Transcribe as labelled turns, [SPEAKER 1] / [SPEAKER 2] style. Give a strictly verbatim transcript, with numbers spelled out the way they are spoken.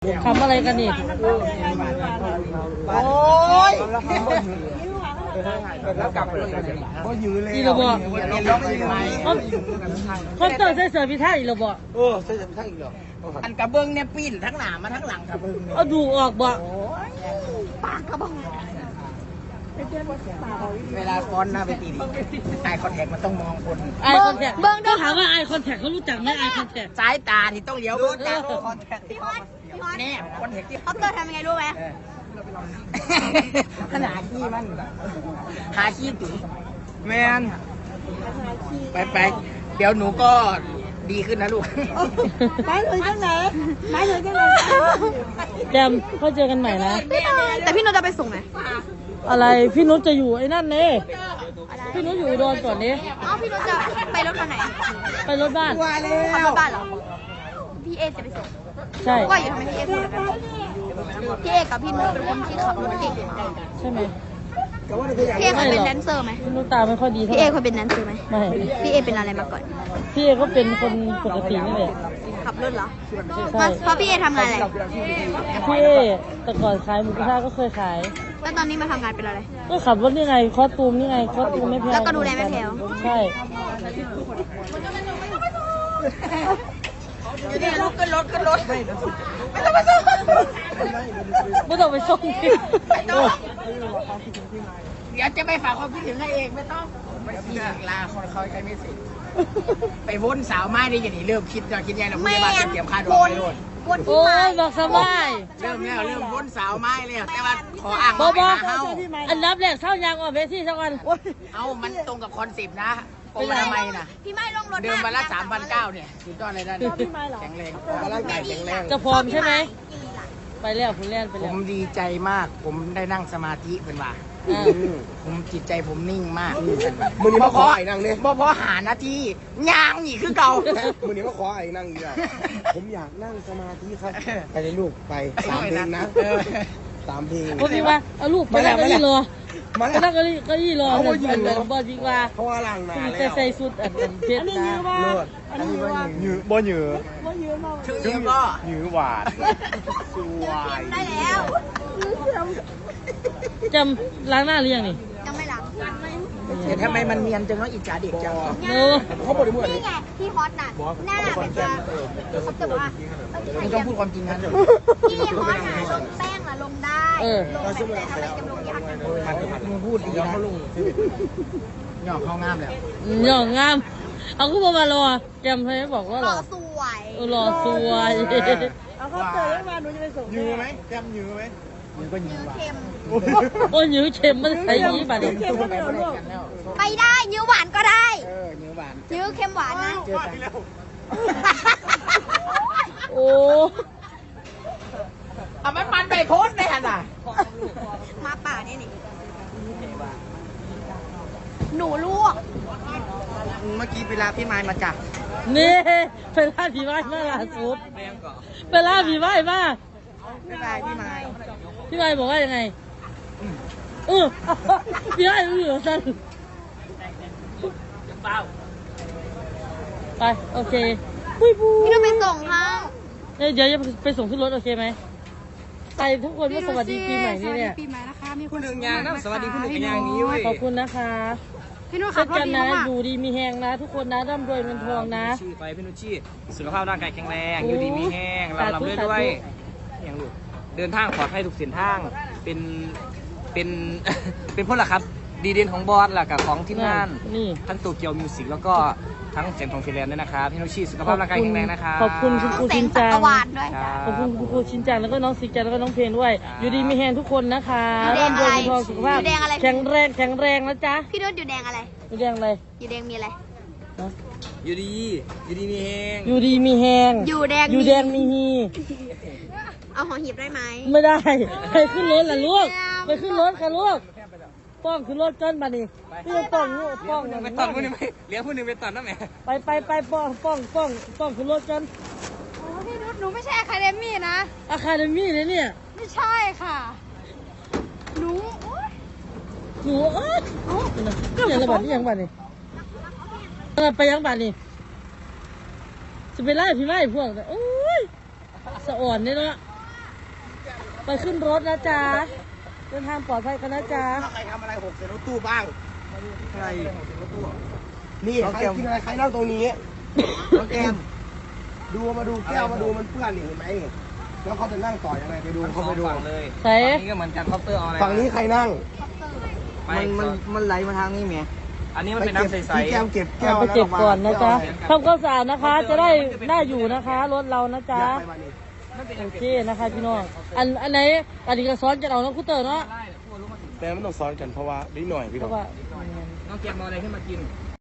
[SPEAKER 1] ทำอะไรกันนี่
[SPEAKER 2] โอ้ยแล้วกลับไปก็ยื้อเลย
[SPEAKER 1] อีระบอกคนเตอร์ใส่เสื้อพิธาอีระบอก
[SPEAKER 2] เออใส่เสื้อพิธาอีกเหรออันกระเบื้องเนี่ยปีนทั้งหน้ามาทั้งหลังกระเบื้อง
[SPEAKER 1] เอาดูออกบ่
[SPEAKER 2] ปากกระเบื้องเวลาฟ้อนหน้าเวทีไอคอนแทคมันต้องมองคน
[SPEAKER 1] ไอคอนแทคเบิ้งต้องถามว่าไอคอนแทคเขารู้จักไหมไอคอนแทค
[SPEAKER 2] สายตาที่ต้องเลี้ยวรู้จักคอนแทค
[SPEAKER 3] พี่ฮอตพี่ฮอต
[SPEAKER 2] แน่คอนแทคที่
[SPEAKER 3] เขาเกิดทำยังไงรู้ไหม
[SPEAKER 2] ขนาดขี้มันหาขี้ตุ๋ยแมนไปไปเดี๋ยวหนูก็ดีขึ้นนะลูก
[SPEAKER 3] ไปเลยจังไหนไปเลยจังไหน
[SPEAKER 1] แจมก็เจอกันใหม่นะ
[SPEAKER 3] แต่พี่นุชจะไปส่งไหม
[SPEAKER 1] อะไรพี่นุชจะอยู่ไอ้นั่นเน่พี่นุชอยู่อุดรก่อนนี้
[SPEAKER 3] อ๋อพี่นุชจะไปรถคันไหน
[SPEAKER 1] ไปรถบ้าน
[SPEAKER 3] ขับรถบ้านเหรอพี่เอจะไปส่ง
[SPEAKER 1] ใช่
[SPEAKER 3] ว่าอยู่ทำไมพี่เอส่งกันพี่เอกับพี่นุชเป็นคนที่ขับรถเก่ง
[SPEAKER 1] ใช่ไหม
[SPEAKER 3] พี่เอเคยเป็นแดนเซอร์ไหม
[SPEAKER 1] พี่นุชตาไม่ค่อยดี
[SPEAKER 3] พี่เอเคยเป็นแดนเซอร์ไหม
[SPEAKER 1] ไม่
[SPEAKER 3] พี่เอเป็นอะไรมาก่อน
[SPEAKER 1] พี่เอก็เป็นคนปกตินี่แหละ
[SPEAKER 3] ขับรถเหรอเพราะพี่เอทำงานอะไร
[SPEAKER 1] พี่เอแต่ก่อนขายหมูกระทะก็เคยขาย
[SPEAKER 3] แล้วตอนนี้มาทำงานเป็นอะไร
[SPEAKER 1] ก็ขับรถนี่ไงคอสตูมนี่ไงคอสตูมไม่แพง
[SPEAKER 3] แล้วก็ดูแลไม่แพง
[SPEAKER 1] ใช่
[SPEAKER 2] อยู่นี่รถขึ้นรถขึ้นรถไม่ต้องไปส่ง
[SPEAKER 1] ไม่ต้องไปส่ง
[SPEAKER 2] ไม่ต้องเดี๋ยวจะไปฝากความคิดถึงให้เองไม่ต้องไม่เสียลาคนเขาใครไม่สิไปวนสาวไม้ได้ยังนี่เริ่มคิดจะคิดยังเราไม่ได้มาเตรียมค่าดอกไม่โดน
[SPEAKER 1] โอ้ยบอกสบาย
[SPEAKER 2] เริ่มแล้วเริ่มวนสาวไม้แล้วแต่ว่าขออ่าง
[SPEAKER 1] บอบออันรับแรกเท่ายางออกเวทีสักวัน
[SPEAKER 2] เอามันตรงกับคอนเซ็ปต์นะโอ้ทำไมนะ
[SPEAKER 3] พี่ไม่ลงรถ
[SPEAKER 2] เดิมวันละสามพันเก้าเนี่ยสุดยอดเลยนะแข็งแรงร่างกายแข็งแรง
[SPEAKER 1] จะพร้อมใช่ไหมไปแล้วคุณเล่นไป
[SPEAKER 2] ผ
[SPEAKER 1] แล้ว
[SPEAKER 2] มดีใจมากผมได้นั่งสมาธิเป็นว่าผมจิตใจผมนิ่งมาก
[SPEAKER 4] มือนี้มาขอไอ้นั่งเนี่ย
[SPEAKER 2] บ่พอหานาทียางนี่คือเก่า
[SPEAKER 4] มือนี้มาขอไอ้นั่งอยู่ผมอยากนั่งสมาธิครับไปเลยลูกไปสามเพลงนะสามเพลง
[SPEAKER 1] คนนี้ว่าเอาลูกไปนั่งก็ยี่รอมานั่งก็ยี่ก็ยี่รอแต่แต่บอลจริงว่า
[SPEAKER 4] เพราะว่าหลังนา
[SPEAKER 1] แล้วใส่สุดอันเป็นเพชรนะ
[SPEAKER 4] เลิศอันนี้ว่าหยือบ่หยือ
[SPEAKER 2] บ่หยือมากชื่อเยอะก็
[SPEAKER 4] หยือหวานสวย
[SPEAKER 3] ได้แล้ว
[SPEAKER 1] จำล้างหน้าหรือยังนี่
[SPEAKER 3] ยังไม่ล้าง
[SPEAKER 2] แต่ทำไมมันเนียนจังเนาะอิจฉาเด็กจัง
[SPEAKER 4] เขาบอกได้หมด
[SPEAKER 3] นี่ไงพี่ฮอตน่ะหน้าแบบว่าเขาจะบอกว่า
[SPEAKER 2] ไม่ต้องพูดความจริงนะ
[SPEAKER 3] พี่ฮอตน่ะลงแป้งล่ะลงได้ลงแต่ทำไมจะลงยาก
[SPEAKER 2] มันมึงพูดดีนะหยอกเขางามแล้ว
[SPEAKER 1] หยอกงามเอาขึ้นมารอจำให้บอกว่าหรอ
[SPEAKER 3] สวย
[SPEAKER 1] รอสวย
[SPEAKER 3] เอาเขาเจอได้มาหนูจะไปส่ง
[SPEAKER 4] ยื้อไหมจำยื้อไหม
[SPEAKER 2] ยื้อก็ยื้อ
[SPEAKER 3] เค็ม
[SPEAKER 1] โอ้ยยื้อเค็มมันใส่ยี่บาทเลย
[SPEAKER 3] ไปได้ยื้อหวานก็ได้
[SPEAKER 2] เออยื้อหวาน
[SPEAKER 3] ยื้อเค็มหวานนะ
[SPEAKER 2] เจอกัน
[SPEAKER 1] โอ้
[SPEAKER 2] เอาไม่ปันไปโพสได้ขนาด
[SPEAKER 3] มาป่าเนี่ยนี่หนูลวก
[SPEAKER 2] เมื่อกี้เวลาพี่ไม้มาจับ
[SPEAKER 1] นี่เวลาพี่ไม้มาล่าสุดเวลาพี่ไม้มา
[SPEAKER 2] พี่ไม้พี่ไม้
[SPEAKER 1] พี่ไม้บอกว่ายังไงเออพี่ไม้รู้อยู่สั้นไปโอเคปุ้ยปุ้ย
[SPEAKER 3] พี่ต้องไปส่งค่ะ
[SPEAKER 1] เดี๋ยวจะไปส่งขึ้นรถโอเคไหมไปทุกคนว่าสวัสดีปีใหม่นี่เนี่ย
[SPEAKER 3] ปีใหม่นะคะมี
[SPEAKER 2] คุณหนึ่งอย่างนะสวัสดีคุณหนึ่งอย่างนี้เว้ย
[SPEAKER 1] ขอบคุณนะคะ
[SPEAKER 3] พี่นุช
[SPEAKER 1] ขับรถดีมากอยู่ดีมีแหงนะทุกคนนะร่ำรวยเงินทองนะ
[SPEAKER 5] ชื่อไปพี่นุชชี่สุขภาพร่างกายแข็งแรงอยู่ดีมีแห้งเราลำด้วยด้วยอย่างลูกเดินทางปลอดภัยทุกเส้นทางเป็นเป็นเป็นพวกละครับดีเด่นของบอสแหละกับของทีมงานทั้งโตเกียวมิวสิกแล้วก็ทั้งเสียงของฟิลแลนด์ด้วยนะครับพี่นุชชี่สุขภาพร่างกายแข็งแรงนะครับ
[SPEAKER 1] ขอบคุณคุณครูชินจัง
[SPEAKER 3] ข
[SPEAKER 1] อบคุณคุณครูชินจังแล้วก็น้องสิจังแล้วก็น้องเพลนด้วยอยู่ดีมีแหงทุกคนนะคะร่ำรวยเงินทองสุขภาพแข็งแรงแข็งแรงนะจ๊ะ
[SPEAKER 3] พี่นุชอยู่แดงอะไร
[SPEAKER 1] อยู่แดงอะไร
[SPEAKER 3] อยู่แดงมีอะไร
[SPEAKER 5] อยู่ดีอยู่ดีมีแห้ง
[SPEAKER 1] อยู่ดีมีแหง
[SPEAKER 3] อยู่แดง
[SPEAKER 1] อยู่แดงมีฮี
[SPEAKER 3] เอาหอหีบได้ไหม
[SPEAKER 1] ไม่ได้ไปขึ้นรถล่ะลูกไปขึ้นรถค่ะลูกป้องขึ้นรถเกินมาดิพี่ป้องลูกป้อง
[SPEAKER 5] ไปตัดผู้หนึ่งไปเลี้ยงผู้หนึ่งไปตัดนะแม่
[SPEAKER 1] ไปไปไปป้องป้องป้องป้องขึ้นรถกัน
[SPEAKER 3] โอ้พี่นุชหนูไม่ใช่อะคาเดมี่นะ
[SPEAKER 1] อะคาเดมี่เลยเนี่ย
[SPEAKER 3] ไม่ใช่ค่ะหนู
[SPEAKER 1] หนูเอ้ยยังระบาดนี่ยังบาดนี่ไปยังบาดนี่จะไปไล่พี่ไล่พวกโอ้ยสะอ่อนเนี่ยเนาะไปขึ้นรถนะจ๊ะเดินทางปลอดภัยกันนะจ๊ะ
[SPEAKER 4] ถ้าใครทำอะไรหกใส่รถตู้บ้าง
[SPEAKER 5] ใคร
[SPEAKER 4] นี่ใครกินอะไรใครนั่งตรงนี้น้องแก้มดูมาดูแก้วมาดูมันเปื้อนนี่เห็นไหมแล้วเขาจะนั่งต่อยังไงไปดูเขาไปดู
[SPEAKER 5] ฝั่งเลย
[SPEAKER 1] ใส่
[SPEAKER 5] ฝั่งนี้ก็เหมือนกันคอปเตอร์เอาอะไร
[SPEAKER 4] ฝั่งนี้ใครนั่ง
[SPEAKER 5] มันมันมันไหลมาทางนี้แหมอันนี้มันเป็นน้ำใส
[SPEAKER 4] พี่แก้มเก็บแก้ว
[SPEAKER 1] ไปเก็บก่อนนะจ๊ะทำความสะอาดนะคะ จะได้ได้อยู่นะคะรถเรานะจ๊ะโอเคนะคะพี่น้องอันอันไหนอันนี้ก็ซ้อนจะเอาน้องคุเตอร์เนาะ
[SPEAKER 4] แต่ไม่ต้องซ้อนกันเพราะว่านิดหน่อยพี่
[SPEAKER 1] เพ
[SPEAKER 4] น้อง
[SPEAKER 1] ราะว่า
[SPEAKER 5] ๆน้องเกียมเอาอะไรขึ้นมากิน